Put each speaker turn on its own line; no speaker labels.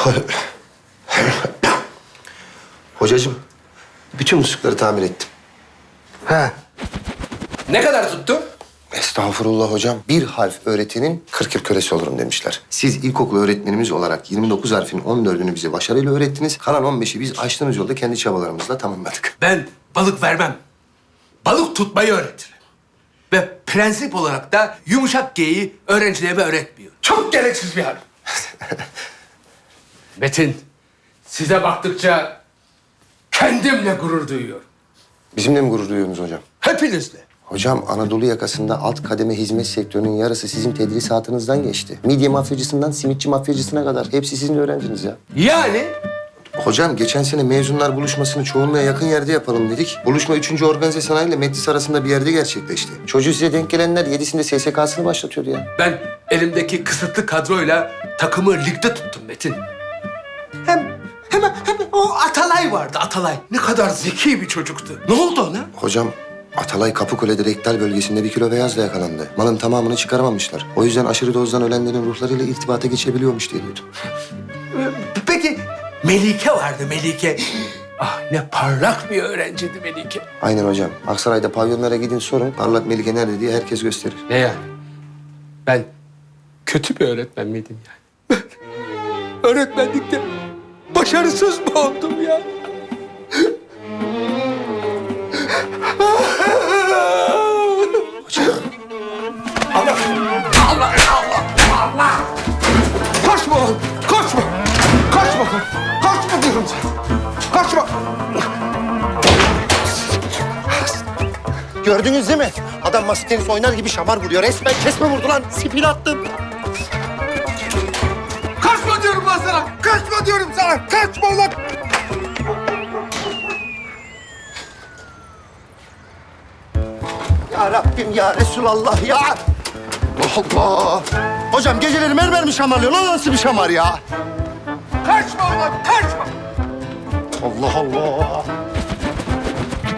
Hocacığım, bütün muslukları tamir ettim.
He. Ne kadar tuttu?
Estağfurullah hocam. Bir harf öğretinin 40 yıl kölesi olurum demişler. Siz ilkokul öğretmenimiz olarak 29 harfin 14'ünü bize başarıyla öğrettiniz. Kalan 15'i biz açtığımız yolda kendi çabalarımızla tamamladık.
Ben balık vermem. Balık tutmayı öğretirim. Ve prensip olarak da yumuşak G'yi öğrencilerime öğretmiyorum. Çok gereksiz bir hal. Metin, size baktıkça kendimle gurur duyuyorum.
Bizimle mi gurur duyuyorsunuz hocam?
Hepinizle.
Hocam Anadolu yakasında alt kademe hizmet sektörünün yarısı sizin tedrisatınızdan geçti. Midye mafyacısından simitçi mafyacısına kadar. Hepsi sizin öğrenciniz ya.
Yani
Hocam geçen sene mezunlar buluşmasını çoğunluğa yakın yerde yapalım dedik. Buluşma 3. Organize Sanayi ile Metlis arasında bir yerde gerçekleşti. Çocuğu size denk gelenler 7'sinde SSK'sını başlatıyordu ya.
ben elimdeki kısıtlı kadroyla takımı ligde tuttum Metin. Hem o Atalay vardı, Atalay. Ne kadar zeki bir çocuktu. Ne oldu ona?
Hocam Atalay Kapıkule'de rektal bölgesinde 1 kilo beyazla yakalandı. Malın tamamını çıkaramamışlar. O yüzden aşırı dozdan ölenlerin ruhlarıyla irtibata geçebiliyormuş diye duydum.
Peki Melike vardı, Melike. Ah ne parlak bir öğrenciydi Melike.
Aynen hocam. Aksaray'da pavyonlara gidin sorun. Parlak Melike nerede diye herkes gösterir.
Ne yani? Ben kötü bir öğretmen miydim yani? Ben öğretmenlikte başarısız mı oldum ya?
Hocam.
Allah! Kaçma oğlum, kaçma! Kaçma, kaçma diyorum sana. Kaçma!
Gördünüz değil mi? Adam masa tenis oynar gibi şamar vuruyor. Resmen kesme vurdu lan. Spin attım.
Kaçma diyorum ben sana! Kaçma diyorum sana! Kaçma ulan!
Ya Rabbim ya Resulallah ya. Allah Allah. Hocam geceleri mermer mi şamarlıyorsun? O nasıl bir şamar ya?
Kaçma ulan, kaçma!
Allah Allah.